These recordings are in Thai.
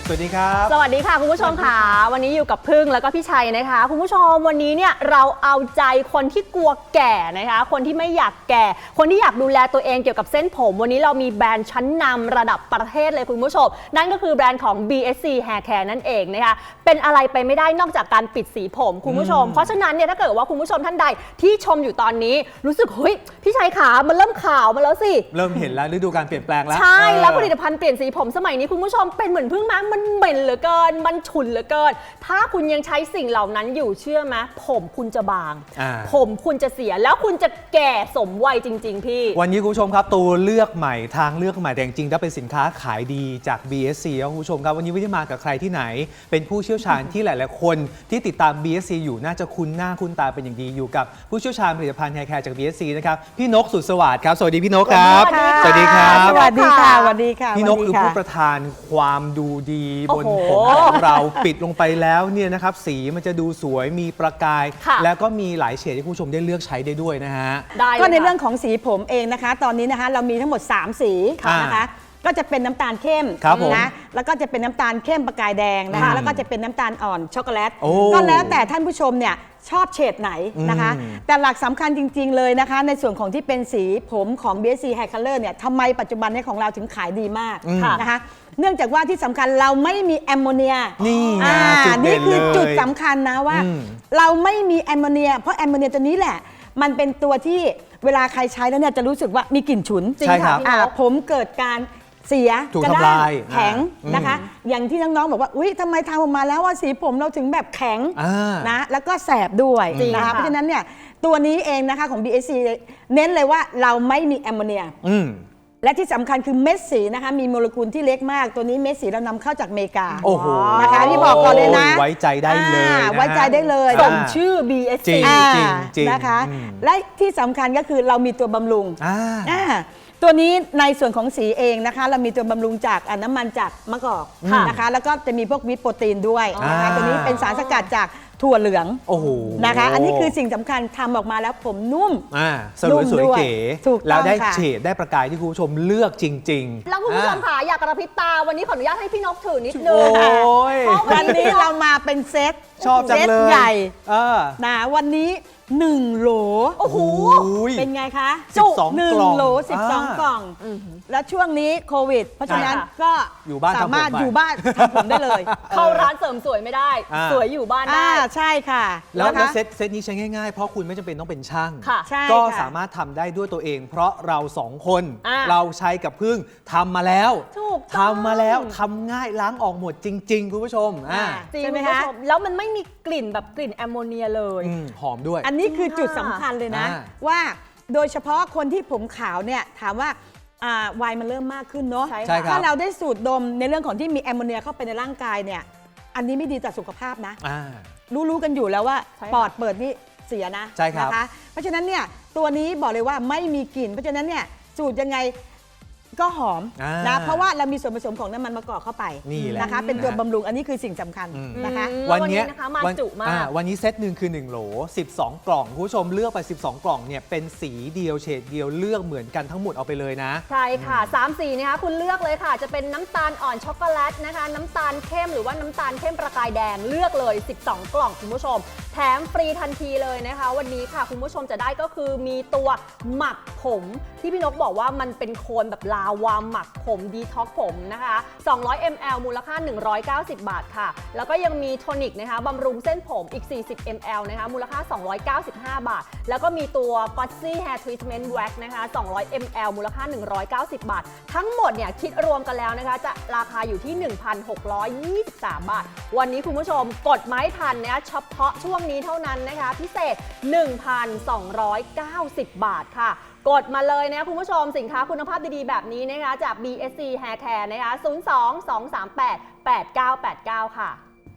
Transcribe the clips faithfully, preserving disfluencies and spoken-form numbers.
สวัสดีครับสวัสดีค่ะคุณผู้ชมค่ะวันนี้อยู่กับพึ่งแล้วก็พี่ชัยนะคะคุณผู้ชมวันนี้เนี่ยเราเอาใจคนที่กลัวแก่นะคะคนที่ไม่อยากแก่คนที่อยากดูแลตัวเองเกี่ยวกับเส้นผมวันนี้เรามีแบรนด์ชั้นนำระดับประเทศเลยคุณผู้ชมนั่นก็คือแบรนด์ของ บี เอส ซี Hair Care นั่นเองนะคะเป็นอะไรไปไม่ได้นอกจากการปิดสีผมคุณผู้ชมเพราะฉะนั้นเนี่ยถ้าเกิดว่าคุณผู้ชมท่านใดที่ชมอยู่ตอนนี้รู้สึกเฮ้ยพี่ชัยขามันเริ่มขาวมาแล้วสิเริ่มเห็นแล้วฤดูการเปลี่ยนแปลงแล้วใช่แล้วผลิตภัณฑ์เปลี่ยนสีผมสมัยนี้คุณผู้ชมเป็นเหมือนพึ่งมั้งมันเหม็นเหลือเกินมันฉุนเหลือเกินถ้าคุณยังใช้สิ่งเหล่านั้นอยู่เชื่อไหมผมคุณจะบางผมคุณจะเสียแล้วคุณจะแก่สมวัยจริงๆพี่วันนี้คุณผู้ชมครับตัวเลือกใหม่ทางเลือกใหม่แต่จริงๆถ้าเป็นสินค้าขายดีจาก บี เอส ซี ครับคุณผู้ชมครับวันนี้ไม่ได้มากับใครที่ไหนเป็นผู้เชี่ยวชาญที่หลายๆคนที่ติดตาม บี เอส ซี อยู่น่าจะคุ้นหน้าคุ้นตาเป็นอย่างดีอยู่กับผู้เชี่ยวชาญผลิตภัณฑ์ Hair Care จาก บี เอส ซี นะครับพี่นกสุดสวัสดิ์ครับสวัสดีพี่นกครับสวัสดีครับสวัสดีค่ะสวัสดีค่ะพี่นกคือผู้ประทานความดูดีบนผมของเราปิดลงไปแล้วเนี่ยนะครับสีมันจะดูสวยมีประกายแล้วก็มีหลายเฉดที่คุณผู้ชมได้เลือกใช้ได้ด้วยนะฮะก็ในเรื่องของสีผมเองนะคะตอนนี้นะคะเรามีทั้งหมดสามสีนะคะก็จะเป็นน้ำตาลเข้มนะแล้วก็จะเป็นน้ำตาลเข้มประกายแดงนะคะแล้วก็จะเป็นน้ำตาลอ่อนช็อกโกแลตก็แล้วแต่ท่านผู้ชมเนี่ยชอบเฉดไหนนะคะแต่หลักสำคัญจริงๆเลยนะคะในส่วนของที่เป็นสีผมของ บี เอส ซี Hair Color เนี่ยทำไมปัจจุบันนี้ของเราถึงขายดีมากนะคะเนื่องจากว่าที่สำคัญเราไม่มีแอมโมเนียนี่นี่คือจุดสำคัญนะว่าเราไม่มีแอมโมเนียเพราะแอมโมเนียตัวนี้แหละมันเป็นตัวที่เวลาใครใช้แล้วเนี่ยจะรู้สึกว่ามีกลิ่นฉุนจริงค่ะผมเกิดการเสียกระด้างแข็งนะคะอย่างที่น้องๆบอกว่าอุ้ยทำไมทำออกมาแล้วว่าสีผมเราถึงแบบแข็งนะแล้วก็แสบด้วยนะคะเพราะฉะนั้นเนี่ยตัวนี้เองนะคะของ บี เอส ซี เน้นเลยว่าเราไม่มีแอมโมเนียและที่สำคัญคือเม็ดสีนะคะมีโมเลกุลที่เล็กมากตัวนี้เม็ดสีเรานำเข้าจากอเมริกาโอ้โหนะคะที่บอกก่อนเลยนะไว้ใจได้เลยไว้ใจได้เลยสมชื่อ บี เอส ซีนะคะและที่สำคัญก็คือเรามีตัวบำรุงตัวนี้ในส่วนของสีเองนะคะเรามีตัวบำรุงจากน้ำมันจากมะกอกนะคะแล้วก็จะมีพวกวิตโปรตีนด้วยนะคะตัวนี้เป็นสารสกัดจากถั่วเหลืองนะคะอันนี้คือสิ่งสำคัญทำออกมาแล้วผมนุ่มสวยสวยเก๋แล้วได้เฉดได้ประกายที่คุณผู้ชมเลือกจริงๆแล้วคุณผู้ชมค่ะอยากกระพริบตาวันนี้ขออนุญาตให้พี่นกถือนิดนึงวันนี้เรามาเป็นเซตชอบจังเลยใหญ่นะวันนี้หนึ่งโหลโอ้โหเป็นไงคะจุหนึ่งโหลสิบสองกล่องแล้วช่วงนี้โควิดเพราะฉะนั้นก็สามารถอยู่บ้านทำผมได้เลยเข้าร้านเสริมสวยไม่ได้สวยอยู่บ้านได้ใช่ค่ะแล้วเซตเซตนี้ใช้ง่ายๆเพราะคุณไม่จำเป็นต้องเป็นช่างก็สามารถทำได้ด้วยตัวเองเพราะเราสองคนเราใช้กับพึ่งทำมาแล้วทำมาแล้วทำง่ายล้างออกหมดจริงๆคุณผู้ชมจริงไหมคะแล้วมันไม่มีกลิ่นแบบกลิ่นแอมโมเนียเลยหอมด้วยอันนี้คือจุดสำคัญเลยนะว่าโดยเฉพาะคนที่ผมขาวเนี่ยถามว่าวัยมันเริ่มมากขึ้นเนาะถ้าเราได้สูดดมในเรื่องของที่มีแอมโมเนียเข้าไปในร่างกายเนี่ยอันนี้ไม่ดีต่อสุขภาพนะรู้ๆกันอยู่แล้วว่าปอดเปิดนี่เสียนะนะคะเพราะฉะนั้นเนี่ยตัวนี้บอกเลยว่าไม่มีกลิ่นเพราะฉะนั้นเนี่ยสูดยังไงก็หอมนะเพราะว่าเรามีส่วนผสมของน้ำมันมะกอกเข้าไปนะคะเป็นตัวบำรุงอันนี้คือสิ่งสำคัญนะคะวันนี้นะคะมาจุมากวันนี้เซตหนึ่งคือหนึ่งโหลสิบสองกล่องคุณผู้ชมเลือกไปสิบสองกล่องเนี่ยเป็นสีเดียวเฉดเดียวเลือกเหมือนกันทั้งหมดเอาไปเลยนะใช่ค่ะสามสีนะคะคุณเลือกเลยค่ะจะเป็นน้ำตาลอ่อนช็อกโกแลตนะคะน้ำตาลเข้มหรือว่าน้ำตาลเข้มประกายแดงเลือกเลยสิบสองกล่องคุณผู้ชมแถมฟรีทันทีเลยนะคะวันนี้ค่ะคุณผู้ชมจะได้ก็คือมีตัวหมักผมที่พี่นกบอกว่ามันเป็นโคนแบบลาวาหมักผมดีท็อกผมนะคะสองร้อยมิลลิลิตร มูลค่าหนึ่งร้อยเก้าสิบบาทค่ะแล้วก็ยังมีโทนิกนะคะบำรุงเส้นผมอีกสี่สิบมิลลิลิตร นะคะมูลค่าสองร้อยเก้าสิบห้าบาทแล้วก็มีตัว Glossy Hair Treatment Wax นะคะสองร้อยมิลลิลิตร มูลค่าหนึ่งร้อยเก้าสิบบาททั้งหมดเนี่ยคิดรวมกันแล้วนะคะจะราคาอยู่ที่ หนึ่งพันหกร้อยยี่สิบสาม บาทวันนี้คุณผู้ชมกดไม้ทันนะเฉพาะช่วงนี้เท่านั้นนะคะพิเศษ หนึ่งพันสองร้อยเก้าสิบ บาทค่ะกดมาเลยนะคุณผู้ชมสินค้าคุณภาพดีๆแบบนี้นะคะจาก บี เอส ซี Hair Care นะคะศูนย์ สอง สอง สาม แปด แปด เก้า แปด เก้าค่ะ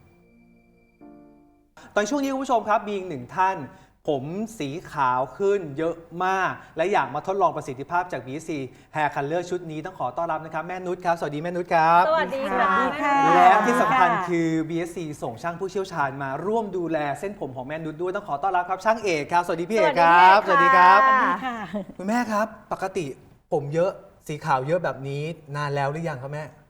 ตอนช่วงนี้คุณผู้ชมครับมีอีกหนึ่งท่านผมสีขาวขึ้นเยอะมากและอยากมาทดลองประสิทธิภาพจาก บี เอส ซี Hair Color ชุดนี้ต้องขอต้อนรับนะครับแม่นุชครับสวัสดีแม่นุชครับสวัสดีค่ะและที่สำคัญคือ บี เอส ซี ส่งช่างผู้เชี่ยวชาญมาร่วมดูแลเส้นผมของแม่นุชด้วยต้องขอต้อนรับครับช่างเอกครับสวัสดีพี่เอกครับสวัสดีครับคุณแม่ครับปกติผมเยอะสีขาวเยอะแบบนี้นานแล้วหรือยังครับแม่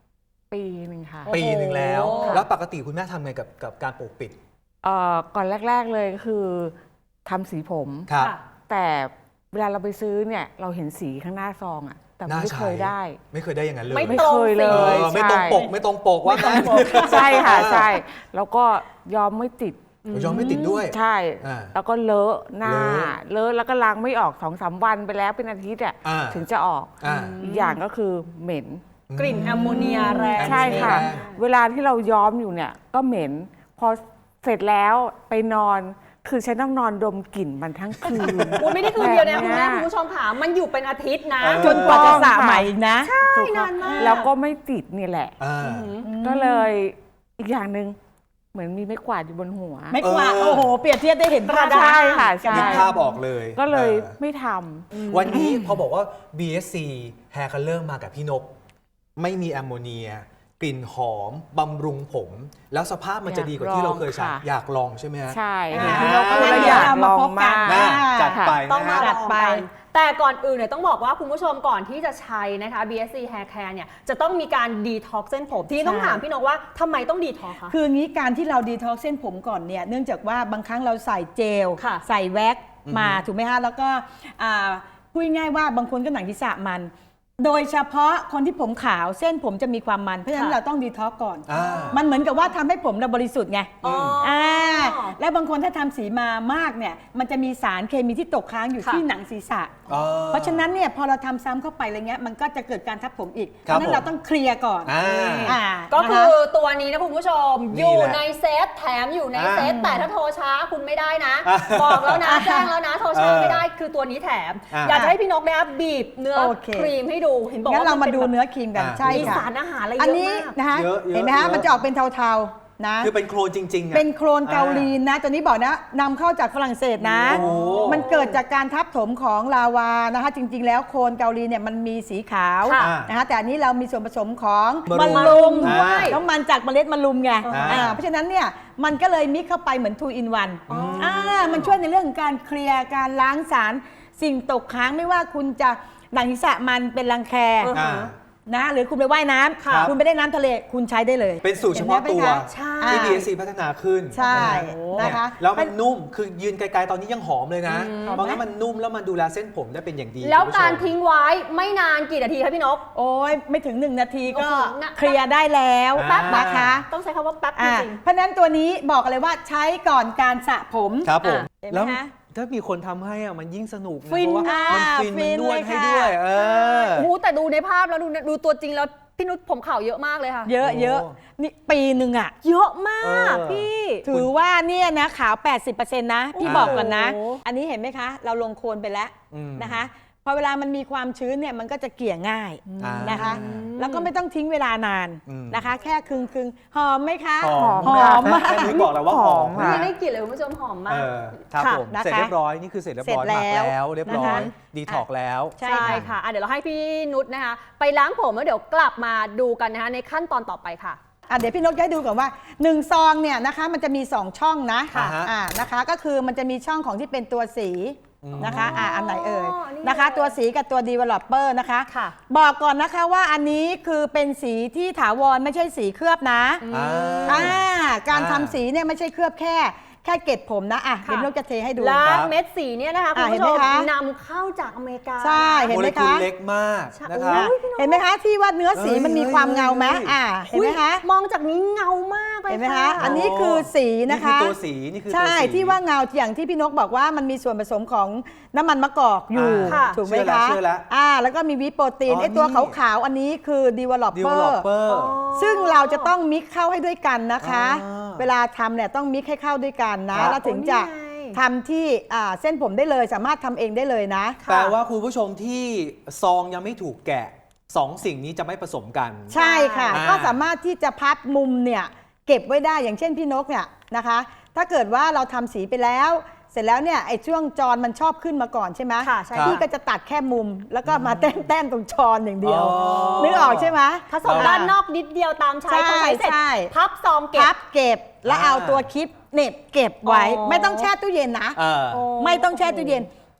ปีหนึ่งค่ะปีหนึ่งแล้วโอ้โหแล้วปกติคุณแม่ทำไงกับกับการปกปิดเอ่อก่อนแรก ๆเลยก็คือทำสีผมครับค่ะแต่เวลาเราไปซื้อเนี่ยเราเห็นสีข้างหน้าซองอะแต่น่าไม่ใช้เคยได้ไม่เคยได้อย่างนั้นเลยไม่ไม่ตรงเคยเลสีเอย อไม่ตรงปกไม่ตรงปกว่างั้นใช่ค่ะใช่แล้วก็ยอมไม่ติดยอมไม่ติดด้วยใช่อ่าแล้วก็เลอะหน้าเลอะเลอะแล้วก็ล้างไม่ออกสองสามวันไปแล้วเป็นอาทิตย์อ่ะอ่าถึงจะออกอ่าอีกอย่างก็คือเหม็นกลิ่นแอมโมเนียแรงใช่ค่ะแรงเวลาที่เราย้อมอยู่เนี่ยก็เหม็น พอเสร็จแล้วไปนอน คือฉันต้องนอนดมกลิ่นมันทั้งคืนอุ๊ยไม่ได้คืนเดียวนะแบบคุณเนี้แม่ยคุณผู้ชมค่ะมันอยู่เป็นอาทิตย์นะเออจนกว่าจะสระใหม่อีกนะถูกต้องนานมากแล้วก็ไม่ติดนี่แหละอ่าก็เลยอีกอย่างหนึ่งเหมือนมีไม้กวาดอยู่บนหัวไม่กว่าดเออโอ้โห เปรียบเทียบได้เห็นภาพใช่ค่ะใช่นึกภาพออกเลยก็เลยออไม่ทำวันนี้พอบอกว่า บี เอส ซี Hair Color มากับพี่นก ไม่มีแอมโมเนีย กลิ่นหอม บำรุงผม แล้วสภาพมันจะดีกว่าที่เราเคยใช้อยากลองค่ะอยากลองใช่ไหมฮะใช่อ่าค่ะเราก็เลยงั้นอเดี๋ยวยากเราลมาองพบกัมาน กน่าจัดไปต้องนะมาฮะจัดไปลองกันแต่ก่อนอื่นเนี่ยต้องบอกว่าคุณผู้ชมก่อนที่จะใช้นะคะ บี เอส ซี Hair Care เนี่ยจะต้องมีการดีท็อกซ์เส้นผมทีนี้ต้องใช่ถามพี่นกว่าทำไมต้องดีท็อกซ์คะคืองี้การที่เราดีท็อกซ์เส้นผมก่อนเนี่ยเนื่องจากว่าบางครั้งเราใส่เจลค่ะใส่แว็กซ์มาอือฮึถูกไหมคะแล้วก็อ่าพูดง่ายๆว่าบางคนก็หนังศีรษะมัน โดยเฉพาะคนที่ผมขาวเส้นผมจะมีความมันเพราะฉะนั้นค่ะเราต้องดีท็อกซ์ก่อนอ่ามันเหมือนกับว่าทำให้ผมเราบริสุทธิ์ไงอ๋อออ่าแล้วบางคนถ้าทำสีมามากเนี่ยมันจะมีสารเคมีที่ตกค้างอยู่ค่ะที่หนังศีรษะอ๋อเพราะฉะนั้นเนี่ยพอเราทำซ้ำเข้าไปอะไรเงี้ยมันก็จะเกิดการทับผมอีกเพครับราะฉะนั้นเราต้องเคลียร์ก่อนอ่าอ่าก็นะคืคะอตัวนี้นะคุณผู้ชมนี่อยู่แหละในเซตแถมอยู่ในเซตอ่าแต่ถ้าโทรช้าคุณไม่ได้นะอ่าบอกแล้วนะ แจ้งแล้วนะโทรช้าเออไม่ได้คือตัวนี้แถมอ่าอยากจะให้พี่นกเนี่ยบีบเนื้อโอเคครีมให้ดูเห็นบอกงั้นว่าเรามาป็ดูแบบเนื้อครีมกันอ่าใช่มีค่ะสารอาหารอะไรอันเยอะนี้มากนะคะเยอะเยอะเห็นไหมคะเยอะมันจะออกเป็นเทาๆนะคือเป็นโครนจริงๆอะเป็นโครนเกาหลีนะตัวนี้บอกนะนำเข้าจากฝรั่งเศสนะโอ้มันเกิดจากการทับถมของลาวานะคะ จริง ๆ แล้วโครนเกาหลีเนี่ยมันมีสีขาวค่ะนะคะแต่อันนี้เรามีส่วนผสมของมะมะรุรุมมอ่าน้ำมันจากเมล็ดมะรุมไงอ่าอ่าเพราะฉะนั้นเนี่ยมันก็เลยมิกเข้าไปเหมือน two in one อ๋ออ่อ่ามันช่วยในเรื่องของการเคลียร์การล้างสารสิ่งตกค้างไม่ว่าคุณจะหนังศีรษะมันเป็นรังแคอ่านะหรือคุณไปว่ายน้ำครับคุณไปได้น้ำทะเลคุณใช้ได้เลยเป็นสูตรเฉพาะตัวห็นไหมคะใช่ที่อ่าบี เอส ซี พัฒนาขึ้นใช่นะนะคะแล้วมันนุ่ม คือยืนไกลๆ ตอนนี้ยังหอมเลยนะอืมเพราะงั้นมันนุ่มแล้วมันดูแลเส้นผมได้เป็นอย่างดีแล้วคุณผู้ชมการทิ้งไว้ไม่นานกี่นาทีคะพี่นกโอ้ยไม่ถึงหนึ่งนาทีก็โอ้โหน่ะเคลียร์ได้แล้วอ่าแป๊บนะคะต้องใช้คำว่าแป๊บจอ่าริงเพราะฉะนั้นตัวนี้บอกเลยว่าใช้ก่อนการสระผมครับผมเห็นไหมแล้วคะถ้ามีคนทำให้อะมันยิ่งสนุกนะฟินเพราะว่ามันอ่าฟินฟิมันนนวดเลยให้ค่ะด้วย เออๆโอ้โหแต่ดูในภาพแล้วดูดูตัวจริงแล้วพี่นุชผมขาวเยอะมากเลยค่ะเยอะโอ้เยอะนี่ปีหนึ่งอ่ะเยอะมากเออพี่ถือว่าเนี่ยนะขาว แปดสิบเปอร์เซ็นต์ นะ พี่โอ้โหบอกก่อนนะ อันนี้เห็นไหมคะ เราลงโคลนไปแล้วอืมนะคะ พอเวลามันมีความชื้นเนี่ยมันก็จะเกลี่ยง่ายอ่านะคะ แล้วก็ไม่ต้องทิ้งเวลานานอืมนะคะ แค่ครึ่งครึ่งๆหอมไหมคะหอมหอมมากแค่นี้บอกแล้วว่าหอมค่ะไม่ได้กลิ่นเลยคุณผู้ชมหอมมาเอก อครับค่ะผมนะคะเสร็จเรียบร้อย นี่คือเสร็จเรียบร้อยเสร็จหมักแล้วแล้วเรียบร้อยนะคะดีท็อกแล้วใช่ใช่ค่ะค่ะอ่ะ เดี๋ยวเราให้พี่นุชนะคะ ไปล้างผมแล้วเดี๋ยวกลับมาดูกันนะคะในขั้นตอนต่อไปค่ะอ่ะเดี๋ยวพี่นกจะให้ดูก่อนว่าหนึ่งซองเนี่ยนะคะมันจะมีสองช่องนะค่ะฮะอ่านะคะก็คือมันจะมีช่องของที่เป็นตัวสีอืมนะคะอ่าอันไหนเอ่ยอ๋อนี่นะคะเลยตัวสีกับตัว developer นะคะค่ะบอกก่อนนะคะว่าอันนี้คือเป็นสีที่ถาวรไม่ใช่สีเคลือบนะอ่าอ่าการอ่าทำสีเนี่ยไม่ใช่เคลือบแค่แค่เกล็ดผมนะอ่ะค่ะเดี๋ยวพี่นกจะเทให้ดูแล้วครับเม็ดสีเนี่ยนะคะคุณอ่ะเห็ผู้นชไหมมคะนำเข้าจากอเมริกาใช่เห็นโมไหมเลกุลคะเล็กมากใช่นะครับโอ้ยพี่นกเห็นไหมคะที่ว่าเนื้อสีเฮ้ยมันมีความเงาไหมเฮ้ยอ่าเห็นไหมคะอุ๊ยมองจากนี้เงามากเลยเห็นไหมค่ะคะ อันนี้คือสีนะคะนี่คือตัวสีนี่คือตัวใช่สีที่ว่าเงาอย่างที่พี่นกบอกว่ามันมีส่วนผสมของน้ำมันมะกอกอยู่อ่าถูกไหมเชื่อแล้วคะเชื่อแล้วอ่าแล้วก็มีวิโปรตีนอ๋อไอ้ตัวนี่ขาวๆอันนี้คือ developer developer ซึ่งเราจะต้องมิกเข้าให้ด้วยกันนะคะอ่าเวลาทำเนี่ยต้องมิกให้เข้าด้วยกันนะครับ แล้วถึงจะโอ้นี่ไงทำที่อ่าเส้นผมได้เลยสามารถทำเองได้เลยนะแปลว่าคุณผู้ชมที่ซองยังไม่ถูกแกะสองสิ่งนี้จะไม่ผสมกันใช่ค่ะอ่าก็สามารถที่จะพับมุมเนี่ยเก็บไว้ได้อย่างเช่นพี่นกเนี่ยนะคะ ถ้าเกิดว่าเราทำสีไปแล้ว เสร็จแล้วเนี่ยไอ้ช่วงจรมันชอบขึ้นมาก่อนใช่ไหมค่ะใช่พี่ก็จะตัดแค่มุม แล้วก็มาแต้มแต้มตรงจรอย่างเดียวอ๋อนึกออกใช่ไหมผสมด้านนอกนิดเดียวตามใช้ใช่พอใช้เสร็จใช่พับซองเก็พับบเก็บแล้วอ่าเอาตัวคลิปเหน็บเก็บไว้อ๋อไม่ต้องแช่ตู้เย็นนะเออโอ้ไม่ต้องแช่ตู้เย็น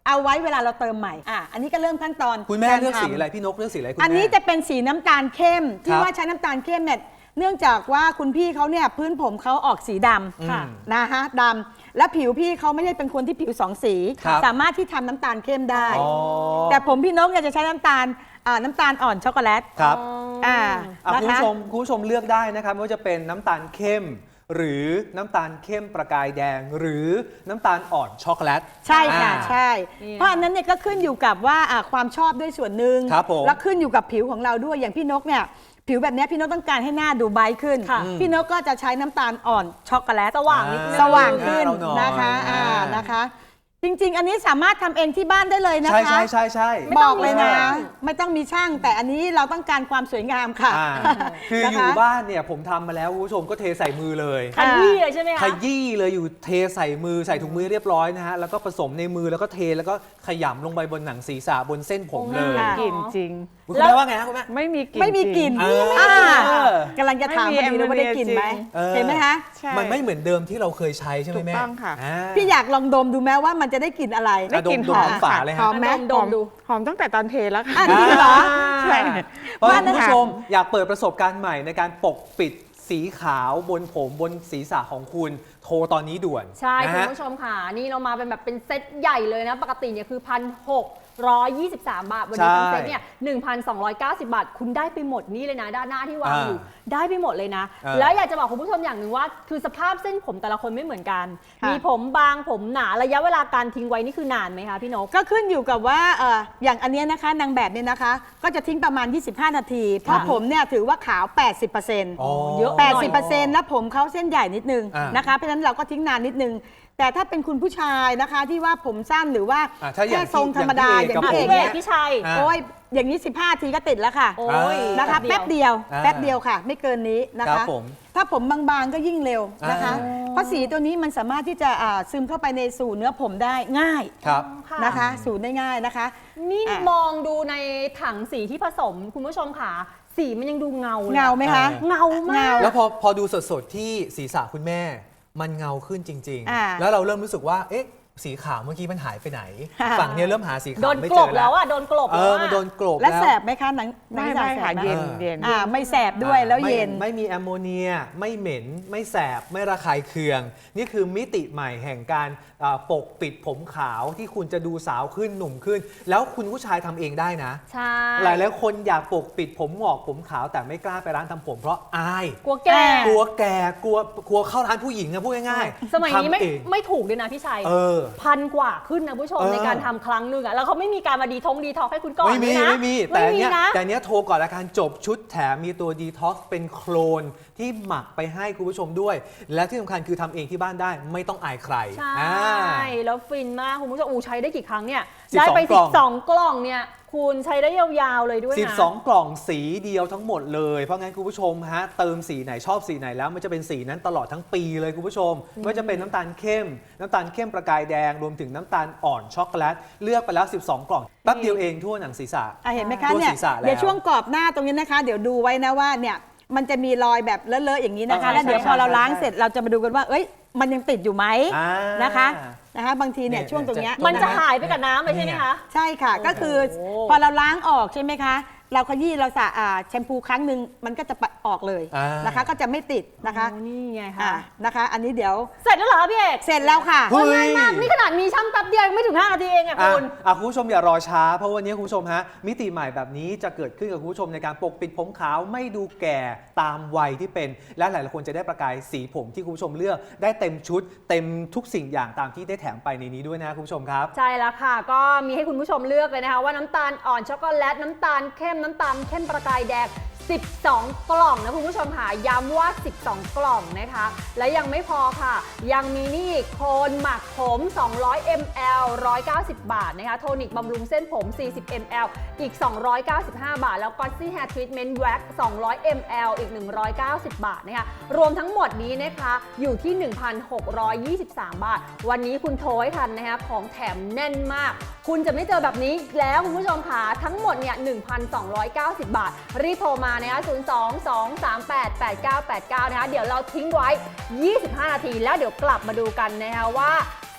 เอาไว้เวลาเราเติมใหม่อ่ะอันนี้ก็เริ่มขั้นตอนคุณแม่ารเลือกสีทำอะไรพี่นกเลือกสีอะไรคุณแม่อันนี้จะเป็นสีน้ำตาลเข้มที่ครับว่าใช้น้ำตาลเข้มเนี่ยเนื่องจากว่าคุณพี่เขาเนี่ยพื้นผมเขาออกสีดอืมำนะฮะดำและผิวพี่เขาไม่ใช่เป็นคนที่ผิวสองสีครับสามารถที่ทำน้ำตาลเข้มได้อ๋อแต่ผมพี่นกเนี่ยจะใช้น้ำตาลอ่าน้ำตาลอ่อนช็อกโกแลตครับอ่าอ่ะนะคุณคะผู้ชมคุณผู้ชมเลือกได้นะครับไม่ว่าจะเป็นน้ำตาลเข้ม หรือน้ำตาลเข้มประกายแดง หรือน้ำตาลอ่อนช็อกโกแลตใช่ค่ะอ่าใช่นี่เพราะอันนั้นเนี่ยก็ขึ้นอยู่กับว่าอ่าความชอบด้วยส่วนหนึ่งครับผมแล้วขึ้นอยู่กับผิวของเราด้วยอย่างพี่นกเนี่ยผิวแบบเนี้ยพี่นกต้องการให้หน้าดูไบรท์ขึ้นค่ะพี่นกก็จะใช้น้ำตาลอ่อนช็อกโกแลตสว่างนิดนึงสว่างขึ้นหน้าเราหน่อยนะคะอ่าอ่านนะคะ จริง ๆ อันนี้สามารถทำเองที่บ้านได้เลยนะคะใช่ใช่ใช่ใช่ไม่ต้บองอกเลยนะมีช่างไม่ต้องมีช่าง แต่อันนี้เราต้องการความสวยงามค่ะอ่าคือนะคะอยู่บ้านเนี่ยผมทำมาแล้วคุณผู้ชมก็เทใส่มือเลยขยี้เลยใช่ไหมขคะยี้เลยอยู่เทใส่มือใส่ถุงมือเรียบร้อยนะฮะแล้วก็ผสมในมือแล้วก็เทแล้วก็ขยำลงไปบนหนังศีรษะบนเส้นผมเลยค่ะกลิ่นจริงคุณแม่ว่าไงฮะคุณแม่ไม่มีกลิ่นไม่มีกลิ่นจริงเอออ่าเออกำลังจะถามพอดีเลยว่าได้กลิ่นไหมเออเห็นไหมคะใช่มันไม่เหมือนเดิมที่เราเคยใช้ใช่ไหมแม่ถูกต้องค่ะาพี่อยากลองดมดูแม้ว่ามันจะได้กลิ่นอะไรอ่ะดมกลิ่นดมหอมทั้งฝาเลยหฮะอมไหมดมดูหอมตั้งแต่ตอนเทแล้วค่ะอ่ะจริงเหรอใช่เพราะฉะว่านั้นนะคุณผู้ชมอยากเปิดประสบการณ์ใหม่ในการปกปิดสีขาวบนผมบนศีรษะของคุณโทรตอนนี้ด่วนใช่นะคุณฮะผู้ชมค่ะ นี่เรามาเป็นแบบเป็นเซตใหญ่เลยนะ ปกติเนี่ยคือพันหกร้อยยี่สิบสามบาท วันนี้ใช่ทั้งเซตเนี่ยหนึ่งพันสองร้อยเก้าสิบบาท คุณได้ไปหมดนี่เลยนะ ด้านหน้าที่วางอยู่ ได้ไปหมดเลยนะเออแล้วอยากจะบอกคุณผู้ชมอย่างหนึ่งว่า คือสภาพเส้นผมแต่ละคนไม่เหมือนกันค่ะมีผมบางผมหนาระยะเวลาการทิ้งไว้นี่คือนานไหมคะพี่นกก็ขึ้นอยู่กับว่าเอ่ออย่างอันเนี้ยนะคะนางแบบเนี่ยนะคะ ก็จะทิ้งประมาณ ยี่สิบห้า นาที เพราะผมเนี่ยถือว่าขาว แปดสิบเปอร์เซ็นต์อ๋อเยอะแปดสิบเปอร์เซ็นต์แล้วผมเขาเส้นใหญ่นิดนึงอ่านนะคะ เพราะฉะนั้นเราก็ทิ้งนานนิดนึง แต่ถ้าเป็นคุณผู้ชายนะคะที่ว่าผมสั้นหรือว่าอ่ะถ้าอย่างแค่ทรงธรรมดาออย่าย่าง งพี่พี่เอเอก กเวเนี่ยกพี่ชัยอ่ะโอ้ยอย่างนี้ สิบห้า นาทีก็ติดแล้วค่ะโอ้ยนะคะเดีแป๊ยวบเดียวอ่าแป๊บเดียวค่ะ ไม่เกินนี้นะครัคะบผมถ้าผมบางๆก็ยิ่งเร็วนะคะอ่าเพราะสีตัวนี้มันสามารถที่จะอ่าซึมเข้าไปในสู่เนื้อผมได้ง่ายครับค่ะนะคะสูตรได้ง่ายนะคะนี่อ่ะมองดูในถังสีที่ผสมคุณผู้ชมค่ะ สีมันยังดูเงาเลยเงาไหมคะเออเงามากแล้วพอพอดูสดๆที่ศีรษะคุณแม่ มันเงาขึ้นจริงอ่าๆ แล้วเราเริ่มรู้สึกว่าเอ๊ะสีขาวเมื่อกี้มันหายไปไหนค่ะฝั่งเนี้ยเริ่มหาสีโดขาวน ไม่กเจลอบ แล้แล้ว วอ่ะโดนกลบเอแล้วออะมันโดนกลบและแล้วแสบไหมคะหนังหนังไม่ศีรไม่ษะแสค่ะบไหมเย็นเออเย็นอ่าไม่แสบด้วยแล้วไม่เย็นไม่มีแอมโมเนีย ไม่เหม็น ไม่แสบ ไม่ระคายเคือง นี่คือมิติใหม่แห่งการอ่าปกปิดผมขาวที่คุณจะดูสาวขึ้นหนุ่มขึ้น แล้วคุณผู้ชายทำเองได้นะใช่หลายหลายๆคนอยากปกปิดผมหงอกผมขาวแต่ไม่กล้าไปร้านทำผมเพราะอายกลัวแก่กลัวแก่กลัวกลัวเข้าร้านผู้หญิงอะพูดง่ายๆสมัยนี้ไม่ทำเองไม่ถูกเลยนะพี่ชัยเออพันกว่าขึ้นนะผู้ชมเออในการทำครั้งหนึ่งอ่ะแล้วเขาไม่มีการมาดีทงดีท็อกให้คุณก่อนไม่มีด้วยนะไม่มีแต่ไม่มีเนี้ยนะแต่เนี้ยโทรก่อนละกันจบชุดแถมมีตัวดีท็อกซ์เป็นโคลนที่หมักไปให้คุณผู้ชมด้วย และที่สำคัญคือทำเองที่บ้านได้ไม่ต้องอายใครใช่อ่าแล้วฟินมากคุณผู้ชมอูใช้ได้กี่ครั้งเนี่ยสิบสองได้ไปกล่องสิบสองกล่องเนี่ยคุณใช้ได้ยาวๆเลยด้วยนะสิบสอง กล่องสีเดียวทั้งหมดเลย เพราะงั้นคุณผู้ชมฮะเติมสีไหนชอบสีไหนแล้วมันจะเป็นสีนั้นตลอดทั้งปีเลยคุณผู้ชมไม่ว่าจะเป็นน้ำตาลเข้ม น้ำตาลเข้มประกายแดงรวมถึงน้ำตาลอ่อนช็อกโกแลตเลือกไปแล้วสิบสอง กล่องแป๊บเดียวเองทั่วหนังศีรษะอ่ะเห็นไหมคะทั่วเนี่ยศีรษะแล้วเดี๋ยวช่วงกรอบหน้าตรงนี้นะคะ เดี๋ยวดูไว้นะว่าเนี่ยมันจะมีรอยแบบเลอะๆอย่างนี้นะคะใช่แล้วเดี๋ยวใช่พอเราใช่ล้างใช่เสร็จเราจะมาดูกันว่า เอ้ยมันยังติดอยู่ไหมอ่านะคะนะคะบางทีเนี่ยเนี่ยช่วงตรงเนี้ยมันจะคหายไปกับน้ำเลยใช่ไหมคะใช่ค่ะ ก็คือโอ้พอเราล้างออกใช่ไหมคะ เราขยี้เราสระอ่าแชมพูครั้งหนึ่งมันก็จะปะออกเลยอ่านนะคะ ก็จะไม่ติดนะคะโอ้นี่ไงอ่าคะนะคะ อันนี้เดี๋ยวเสร็จแล้วเหรอพี่เอกเสร็จแล้วค่ะเฮ้ยง่ายมากนี่ขนาดมีช่างแป๊บเดียวยังไม่ถึงห้านาทีเองอะอ่ะคุณอ่ะคุณผู้ชมอย่ารอช้าเพราะวันนี้คุณผู้ชมฮะมิติใหม่แบบนี้จะเกิดขึ้นกับคุณผู้ชมในการปกปิดผมขาวไม่ดูแก่ตามวัยที่เป็น และหลายๆคนจะได้ประกายสีผมที่คุณผู้ชมเลือกได้เต็มชุด เต็มทุกสิ่งอย่างตามที่ได้แถมไปในนี้ด้วยนะคุณผู้ชมครับใช่แล้วค่ะ ก็มีให้คุณผู้ชมเลือกเลยนะคะว่าน้ำตาลอ่อนช็อกโกแลตน้ำตาลเข้มน้ำตาลเข้มประกายแดงสิบสอง กล่องนะคุณผู้ชมค่ะย้ำว่าสิบสอง กล่องนะคะ และยังไม่พอค่ะ ยังมีนี่โคนหมักผมสองร้อยมิลลิลิตร หนึ่งร้อยเก้าสิบบาทนะคะโทนิกบำรุงเส้นผมสี่สิบมิลลิลิตร อีกสองร้อยเก้าสิบห้าบาท แล้วก็ซี่แฮร์ทรีทเมนต์แว็กสองร้อยมิลลิลิตร อีกหนึ่งร้อยเก้าสิบบาทนะคะรวมทั้งหมดนี้นะคะอยู่ที่ หนึ่งพันหกร้อยยี่สิบสาม บาท วันนี้คุณโทรให้ทันนะคะของแถมแน่นมาก คุณจะไม่เจอแบบนี้อีกแล้วคุณผู้ชมค่ะทั้งหมดเนี่ย หนึ่งพันสองร้อยเก้าสิบบาท รีบโทรมานะคะศูนย์ สอง สอง สาม แปด แปด เก้า แปด เก้านะคะเดี๋ยวเราทิ้งไว้ยี่สิบห้านาทีแล้วเดี๋ยวกลับมาดูกันนะคะว่า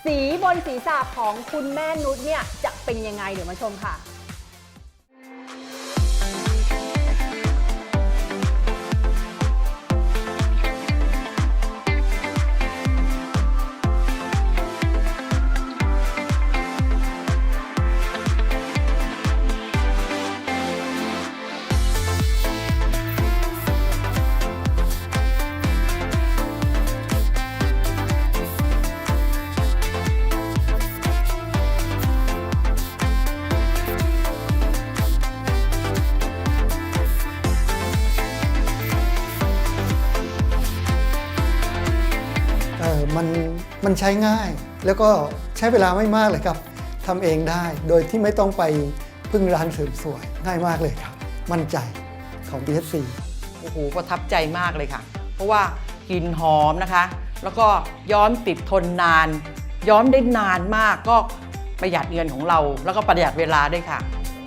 สีบนศีรษะของคุณแม่นุชเนี่ยจะเป็นยังไงเดี๋ยวมาชมค่ะเออมันมันใช้ง่ายแล้วก็ใช้เวลาไม่มากเลยครับทำเองได้โดยที่ไม่ต้องไปพึ่งร้านเสริมสวยง่ายมากเลยครับมั่นใจของ บี เอส ซีโอ้โหประทับใจมากเลยค่ะ เพราะว่ากลิ่นหอมนะคะ แล้วก็ย้อมติดทนนาน ย้อมได้นานมากก็ประหยัดเงินของเรา แล้วก็ประหยัดเวลาด้วยค่ะ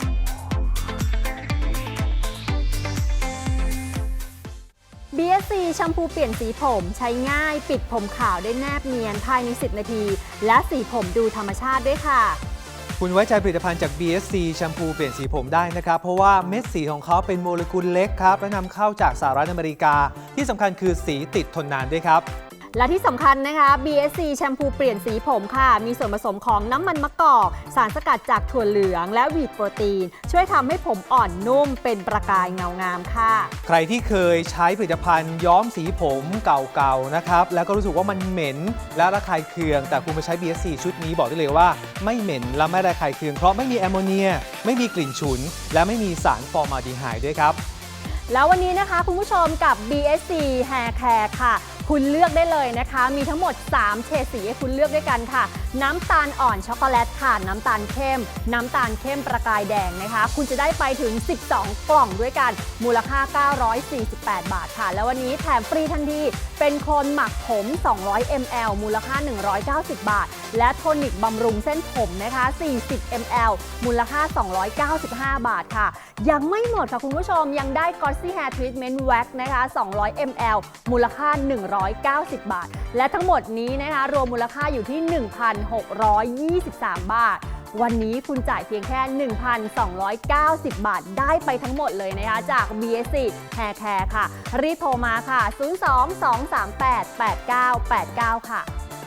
บี เอส ซี แชมพูเปลี่ยนสีผมใช้ง่ายปิดผมขาวได้แนบเนียนภายในสิบนาทีและสีผมดูธรรมชาติด้วยค่ะคุณไว้ใจผลิตภัณฑ์จาก บี เอส ซี แชมพูเปลี่ยนสีผมได้นะครับ เพราะว่าเม็ดสีของเขาเป็นโมเลกุลเล็กครับ และนำเข้าจากสหรัฐอเมริกา ที่สำคัญคือสีติดทนนานด้วยครับและที่สำคัญนะคะ บี เอส ซี แชมพูเปลี่ยนสีผมค่ะ มีส่วนผสมของน้ำมันมะกอก สารสกัดจากถั่วเหลืองและวีทโปรตีน ช่วยทำให้ผมอ่อนนุ่มเป็นประกายเงางามค่ะใครที่เคยใช้ผลิตภัณฑ์ย้อมสีผมเก่าๆนะครับ แล้วก็รู้สึกว่ามันเหม็นและระคายเคือง แต่คุณมาใช้ บี เอส ซี ชุดนี้บอกได้เลยว่าไม่เหม็นและไม่ระคายเคืองเพราะไม่มีแอมโมเนียไม่มีกลิ่นฉุน และไม่มีสารฟอร์มาลดีไฮด์ด้วยครับแล้ววันนี้นะคะคุณผู้ชมกับ บี เอส ซี Hair Care ค่ะ คุณเลือกได้เลยนะคะ มีทั้งหมดสามเฉดสีให้คุณเลือกด้วยกันค่ะ น้ำตาลอ่อนช็อกโกแลตค่ะ น้ำตาลเข้ม น้ำตาลเข้มประกายแดงนะคะ คุณจะได้ไปถึงสิบสองกล่องด้วยกัน มูลค่า เก้าร้อยสี่สิบแปด บาทค่ะ แล้ววันนี้แถมฟรีทันทีเป็นโคนหมักผม สองร้อยมิลลิลิตร มูลค่า หนึ่งร้อยเก้าสิบ บาท และโทนิกบำรุงเส้นผมนะคะ สี่สิบมิลลิลิตร มูลค่า สองร้อยเก้าสิบห้า บาทค่ะ ยังไม่หมดค่ะคุณผู้ชมยังได้ Glossy Hair Treatment Wax นะคะ สองร้อยมิลลิลิตร มูลค่า หนึ่งร้อยเก้าสิบ บาท และทั้งหมดนี้นะคะรวมมูลค่าอยู่ที่ หนึ่งพันหกร้อยยี่สิบสาม บาท วันนี้คุณจ่ายเพียงแค่ หนึ่งพันสองร้อยเก้าสิบ บาทได้ไปทั้งหมดเลยนะคะจาก บี เอส ซี Hair Care ค่ะ รีบโทรมาค่ะ ศูนย์ สอง สอง สาม แปด แปด เก้า แปด เก้า ค่ะ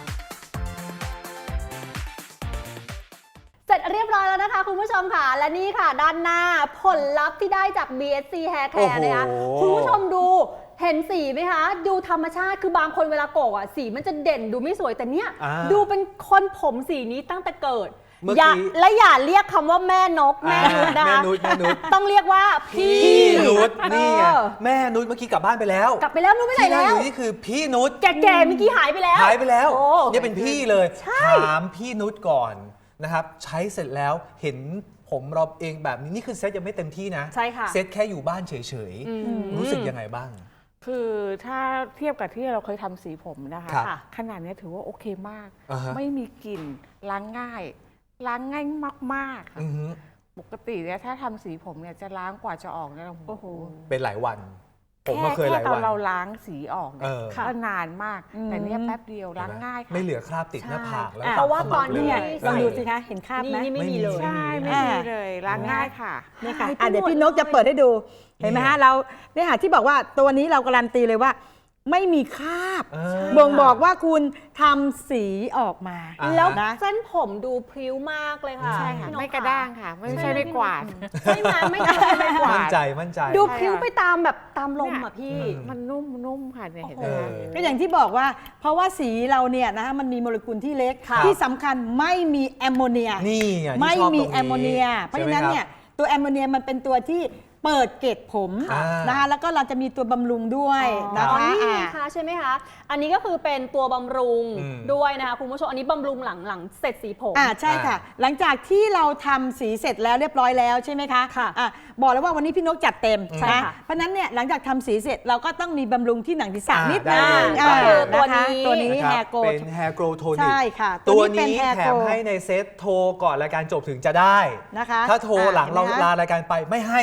เสร็จเรียบร้อยแล้วนะคะคุณผู้ชมค่ะ และนี่ค่ะด้านหน้าผลลัพธ์ที่ได้จาก บี เอส ซี Hair โอ้ Care โหนะคะคุณผู้ชมดูเห็นสีไหมคะ ดูธรรมชาติคือบางคนเวลาโกกอ่ะสีมันจะเด่นดูไม่สวยแต่เนี้ยอ่าดูเป็นคนผมสีนี้ตั้งแต่เกิดเมื่ออย่ากี้และอย่าเรียกคำว่าแม่นกแม่นุชนะแม่คะนุชแม่นุชต้องเรียกว่าพี่พี่นุชนี่ไงเออแม่นุชเมื่อกี้กลับบ้านไปแล้วกลับไปแล้วนุชไปไหนที่นั่งแล้อวยู่นี่คือพี่นุชแก่ๆเมื่อกี้หายไปแล้วหายไปแล้วโอ้เนี่ยเป็นพี่เลยใช่ถามพี่นุชก่อนนะครับ ใช้เสร็จแล้วเห็นผมเราเองแบบนี้นี่คือเซตยังไม่เต็มที่นะใช่ค่ะเซตแค่อยู่บ้านเฉยอืมๆ รู้สึกยังไงบ้างคือถ้าเทียบกับที่เราเคยทำสีผมนะคะครับขนาดนี้ถือว่าโอเคมากอ่าฮะไม่มีกลิ่นล้างง่าย ล้างง่ายมากๆค่ะอือฮึปกติเนี่ยถ้าทำสีผมเนี่ยจะล้างกว่าจะออกเนี่ยโอ้โหเป็นหลายวัน ผมแค่ก็เคยหแค่ลายตอวัน นเราล้างสีออกเนี่เอย อก็นานมาก แต่เนี่ยแป๊บเดียวล้างง่ายค่ะไม่เหลือคราบติดหน้าผากแล้วเพราะว่าตอนขมับที่เลยลองดูสิคะ เห็นคราบไหมนี่นี่ไม่มีเลยใช่ไม่มีเลยล้างง่ายค่ะเนี่ยค่ะหายไปอ่ะเดี๋ยวหมดพี่นกจะเปิดให้ดู เห็นไหมเนี่ฮะยเราเนี่ยค่ะที่บอกว่าตัวนี้เราการันตีเลยว่า ไม่มีคราบเออบ่งบอกว่าคุณทำสีออกมาอ่าแล้วนะเส้นผมดูพริ้วมากเลยค่ะใช่ค่ะพี่นไม่กระด้างค่ะ ไม่ใช่ไม่กวาดใช่ไหมไม่กระด้างไม่กวามั่นดใจมั่นใจดูพริ้วไปตามแบบตามลมอ่ะพี่อืมมันนุ่มนุ่มค่ะเนี่ยเห็นไหมเออคะก็อย่างที่บอกว่า เพราะว่าสีเราเนี่ยนะคะมันมีโมเลกุลที่เล็กค่ะที่สำคัญไม่มีแอมโมเนียนี่ไงที่ไม่ชอบมีตรงแอมโมเนีย เพราะฉะนั้นเนี่ยตัวแอมโมเนียมันเป็นตัวที่เปิดเกล็ดผมอ่านนะคะแล้วก็เราจะมีตัวบำรุงด้วยนะอ๋อคะนี่อ่านะคะใช่ไหมคะ อันนี้ก็คือเป็นตัวบำรุงอืมด้วยนะคะคุณผู้ชม อันนี้บำรุงหลังหลังเสร็จสีผมอ่าใช่ค่ะ หลังจากที่เราทำสีเสร็จแล้วเรียบร้อยแล้วใช่ไหมคะค่ะอ่ะบอกแล้วว่าวันนี้พี่นกจัดเต็มใช่นะค่ะเพราะฉะนั้นเนี่ยหลังจากทำสีเสร็จเราก็ต้องมีบำรุงที่หนังศีรษะอ่านิดได้นึงเลยอ่าก็คือตัวนะคะนี้ตัวนี้นะคแฮรับร์โกเป็น Hair Grow Tonic ใช่ค่ะตัวเป็นนี้ Hair แถม Grow ให้ในเซตโทรก่อนรายการจบถึงจะได้นะคะถ้าโทรหลังเราอ่ะเห็นไหมคะลารายการไปไม่ให้นะฮะ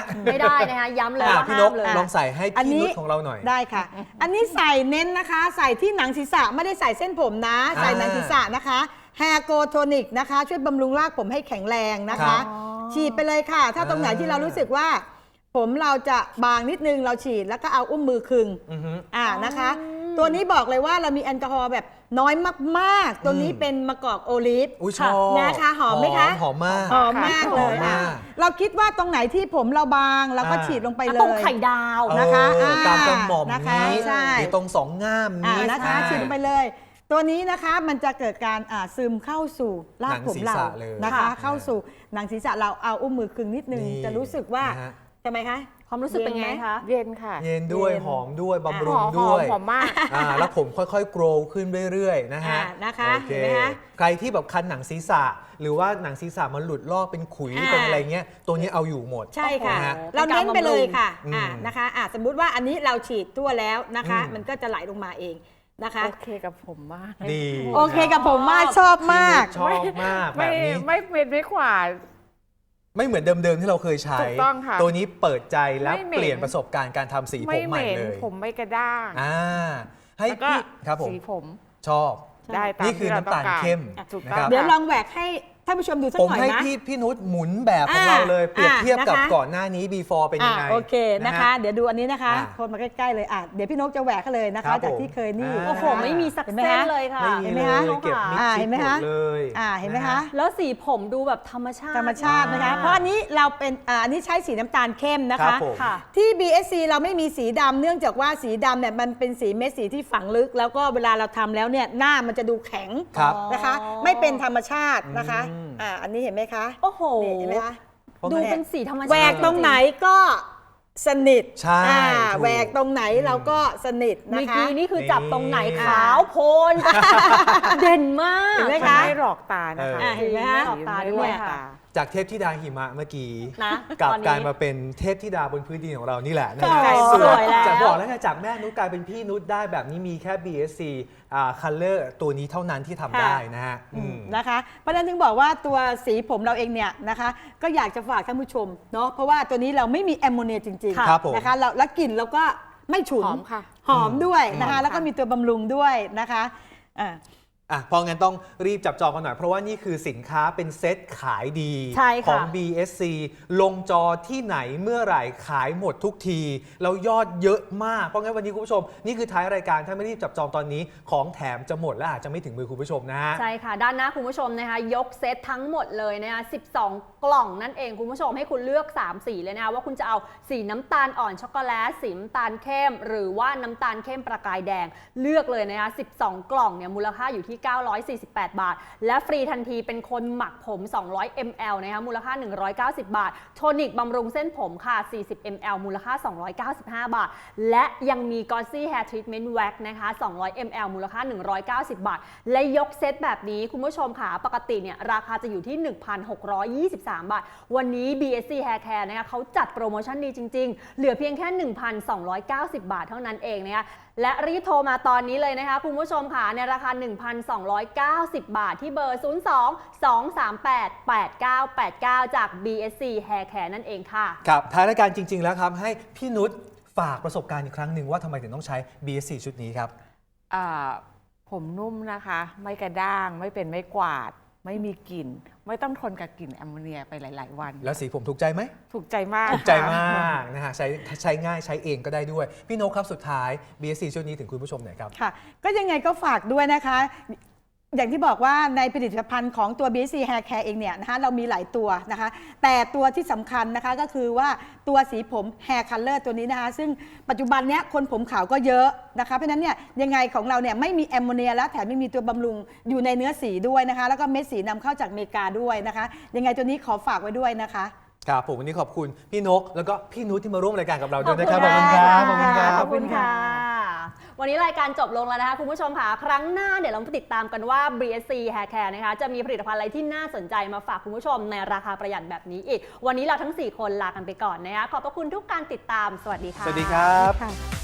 ไม่ได้นะคะย้ำเลยอ่ะว่าพี่ห้าน มกเลยลองใส่ให้อันพี่นี้นุชของเราหน่อยได้ค่ะ อันนี้ใส่เน้นนะคะ ใส่ที่หนังศีรษะไม่ได้ใส่เส้นผมนะ ใส่หนังศีรษะนะคะแฮร์โกโทนิกนะคะ ช่วยบำรุงรากผมให้แข็งแรงนะครัคะบฉีดไปเลยค่ะ ถ้าตรงไหนที่เรารู้สึกว่า ผมเราจะบางนิดนึงเราฉีดแล้วก็เอาอุ้มมือคึงอือฮึอ่านะคะ ตัวนี้บอกเลยว่าเรามีแอลกอฮอล์แบบน้อยมากๆ ตัวนี้อืมเป็นมะกอกโอลิฟอุ้ยชอบนะคะหอมไหมคะหอมมากหอมมากเลยหอมอ่ะมากเราคิดว่าตรงไหนที่ผมเราบางเราก็อ่าฉีดลงไปเลยตรงไข่ดาวนะคะเอออ่าตามกระหม่อมนะคะนี้ใช่หรือตรงสองง่ามอ่านี้นะคะอ่าฉีดลงไปเลย ตัวนี้นะคะมันจะเกิดการอ่าซึมเข้าสู่รากผมเราหนังศีรษะเลยนะคะค่ะเข้าสู่หนังศีรษะเราเอาอุ้มมือคึงนิดนึงนี่จะรู้สึกว่านะฮะทำไมคะความรู้สึกเป็นไงคะเย็นค่ะเย็นด้วยเย็นหอมด้วยบำหรุอง มหด้อวมยหอมมากอ่าแล้วผมค่อยๆ โกรวขึ้นเรื่อยๆ นะฮะอ่านะคะโอเคเห็นไหมคะใครที่แบบคันหนังศีรษะ หรือว่าหนังศีรษะมันหลุดลอกเป็นขุยอ่าเป็นอะไรเงี้ย ตัวนี้เอาอยู่หมดใช่ค่ะนะฮะเราเน้นไปเลยค่ะอืมอ่านะคะอ่าสมมุติว่าอันนี้เราฉีดทั่วแล้วนะคะอืมมันก็จะไหลลงมาเองนะคะโอเคกับผมมากดีโอเคกับผมมากชอบมากชอบมากแบไม่บนี้ไม่เป็นไม่ขวาดไม่เหมือนเดิมๆที่เราเคยใช้ถูกต้องค่ะตัวนี้เปิดใจและไม่เหม็นเปลี่ยนประสบการณ์การทำสีผไม่มเหใหม่ม็นเลยผมไม่กระด้างอ่าให้แล้วก็พี่ครับผมสีผมชอบได้ตามนี่คือที่รน้ำตาลงกรเข้มถูกนะต้คอรังบเดี๋ยวลองแหวกให้ท่านผู้ชมดูสักผมหน่อยให้นะพี่พี่นุชหมุนแบบของอ่าเราเลย เปรียบเทียบกับอ่านะคะก่อนหน้านี้ before เป็นยังไงอ่ะโอเคนะคะ เดี๋ยวดูอันนี้นะคะอ่ะคนมาใกล้ๆเลยอ่ะเดี๋ยวพี่นกจะแหวกให้เลยนะครัคะบจากผมที่เคยนี่อ่าโอ้โห ไม่มีสักเห็นไหมเส้นคะเลยค่ะไม่มีเห็นไหมเลคะยเก็บมิดอ่าชิเห็ดนไหมหมคะดเลยอ่าเห็นไหมฮคะแล้วสีผมดูแบบธรรมชาติธรรมชาตินะคะอ่าเพราะอันนี้เราเป็นอ่าอันนี้ใช้สีน้ำตาลเข้มนะครัคะบผมค่ะที่ บี เอส ซี เราไม่มีสีดำเนื่องจากว่าสีดำเนี่ยมันเป็นสีเม็ดสีที่ฝังลึก แล้วก็เวลาเราทำแล้วเนี่ยหน้ามันจะดูแข็งครับนะคะ ไม่เป็นธรรมชาตินะคะอืมอ่าอันนี้เห็นไหมคะโอ้โหนี่เห็นไหมคะดูเป็นสีธรรมชาติแหวกตรงไหนก็สนิทใช่อ่าถูกแหวกตรงไหนเราก็สนิทเมื่นะอคะกี้นี่คือจับตรงไหนนี่ขาวโพลน เด่นมากเห็นไหมมันคะไม่หลอกตานะคะอ่าเห็นไหมคะหลอกตาด้วยไม่หลอกตาจากเทพธิดาหิมะเมื่อกี้นะกลับตอนนี้กลายมาเป็นเทพธิดาบนพื้นดินของเรานี่แหละนะโอ้ฮะสวยแล้วจากบอกแล้วไงจากแม่นุชกลายเป็นพี่นุชได้แบบนี้มีแค่ บี เอส ซี อ่า color ตัวนี้เท่านั้นที่ทำได้นะฮะอืมนะคะเพราะฉะนั้นถึงบอกว่าตัวสีผมเราเองเนี่ยนะคะก็อยากจะฝากท่านผู้ชมเนาะเพราะว่าตัวนี้เราไม่มีแอมโมเนียจริงครับผมๆนะคะเราและกลิ่นเราก็ไม่ฉุนหอมค่ะหอมด้วยนะคะหอมค่ะแล้วก็มีตัวบำรุงด้วยนะคะอ่าอ่ะเพราะงั้นต้องรีบจับจองกันหน่อย เพราะว่านี่คือสินค้าเป็นเซ็ตขายดีใช่ค่ะของ บี เอส ซี ลงจอที่ไหนเมื่อไหร่ขายหมดทุกที แล้วยอดเยอะมาก เพราะงั้นวันนี้คุณผู้ชม นี่คือท้ายรายการถ้าไม่รีบจับจองตอนนี้ของแถมจะหมดและอาจจะไม่ถึงมือคุณผู้ชมนะฮะใช่ค่ะ ด้านหน้าคุณผู้ชมนะคะยกเซตทั้งหมดเลยนะคะสิบสองกล่องนั่นเองคุณผู้ชมให้คุณเลือกสามสีเลยนะคะว่าคุณจะเอาสีน้ำตาลอ่อนช็อกโกแลตสีน้ำตาลเข้ม หรือว่าน้ำตาลเข้มประกายแดงเลือกเลยนะคะสิบสองกล่องเนี่ยมูลค่าอยู่ที่เก้าร้อยสี่สิบแปดบาท และฟรีทันทีเป็นคนหมักผมสองร้อยมิลลิลิตรนะคะมูลค่าหนึ่งร้อยเก้าสิบบาทโทนิกบำรุงเส้นผมค่ะสี่สิบมิลลิลิตรมูลค่าสองร้อยเก้าสิบห้าบาทและยังมีกอซี่แฮร์ทรีทเมนต์แว็กนะคะสองร้อยมิลลิลิตรมูลค่าหนึ่งร้อยเก้าสิบบาทและยกเซตแบบนี้คุณผู้ชมค่ะปกติเนี่ยราคาจะอยู่ที่ หนึ่งพันหกร้อยยี่สิบสามบาทวันนี้ บี เอส ซี Hair Care นะคะเขาจัดโปรโมชั่นดีจริงๆเหลือเพียงแค่ หนึ่งพันสองร้อยเก้าสิบบาทเท่านั้นเองนะคะและรีบโทรมาตอนนี้เลยนะคะคุณผู้ชมค่ะในราคา หนึ่งพันสองร้อยเก้าสิบบาทที่เบอร์ ศูนย์ สอง สอง สาม แปด แปด เก้า แปด เก้า จาก บี เอส ซี Hair Care นั่นเองค่ะครับท้ายรายการจริง ๆ แล้วครับให้พี่นุชฝากประสบการณ์อีกครั้งหนึ่งว่าทำไมถึงต้องใช้ บี เอส ซี ชุดนี้ครับอ่าผมนุ่มนะคะ ไม่กระด้างไม่เป็นไม่กวาด ไม่มีกลิ่น ไม่ต้องทนกับกลิ่นแอมโมเนียไปหลาย ๆ วันแล้วสีผมถูกใจไหมถูกใจมากถูกใจมากนะฮะใช้ใช้ง่ายใช้เองก็ได้ด้วย พี่นกครับสุดท้าย บี เอส ซี ชุดนี้ถึงคุณผู้ชมหน่อยครับค่ะก็ยังไงก็ฝากด้วยนะคะ อย่างที่บอกว่าในผลิตภัณฑ์ของตัว บี เอส ซี Hair Care เองเนี่ยนะคะเรามีหลายตัวนะคะแต่ตัวที่สำคัญนะคะก็คือว่าตัวสีผม Hair Color ตัวนี้นะคะซึ่งปัจจุบันเนี้ยคนผมขาวก็เยอะนะคะเพราะฉะนั้นเนี่ยยังไงของเราเนี่ยไม่มีแอมโมเนียและแถมไม่มีตัวบำรุงอยู่ในเนื้อสีด้วยนะคะแล้วก็เม็ดสีนำเข้าจากอเมริกาด้วยนะคะยังไงตัวนี้ขอฝากไว้ด้วยนะคะครับผมวันนี้ขอบคุณพี่นกแล้วก็พี่นุชที่มาร่วมรายการกับเราด้วยนะครับขขออบบ คุคุณ ณค่ะครับขอบคุณครับขอบคุณค่ะ วันนี้รายการจบลงแล้วนะคะคุณผู้ชมค่ะครั้งหน้าเดี๋ยวเรามาติดตามกันว่า บี เอส ซี Hair Care นะคะจะมีผลิตภัณฑ์อะไรที่น่าสนใจมาฝากคุณผู้ชมในราคาประหยัดแบบนี้อีกวันนี้เราทั้งสี่คนลากันไปก่อนนะคะขอบพระคุณทุกการติดตามสวัสดีค่ะสวัสดีครับค่ะ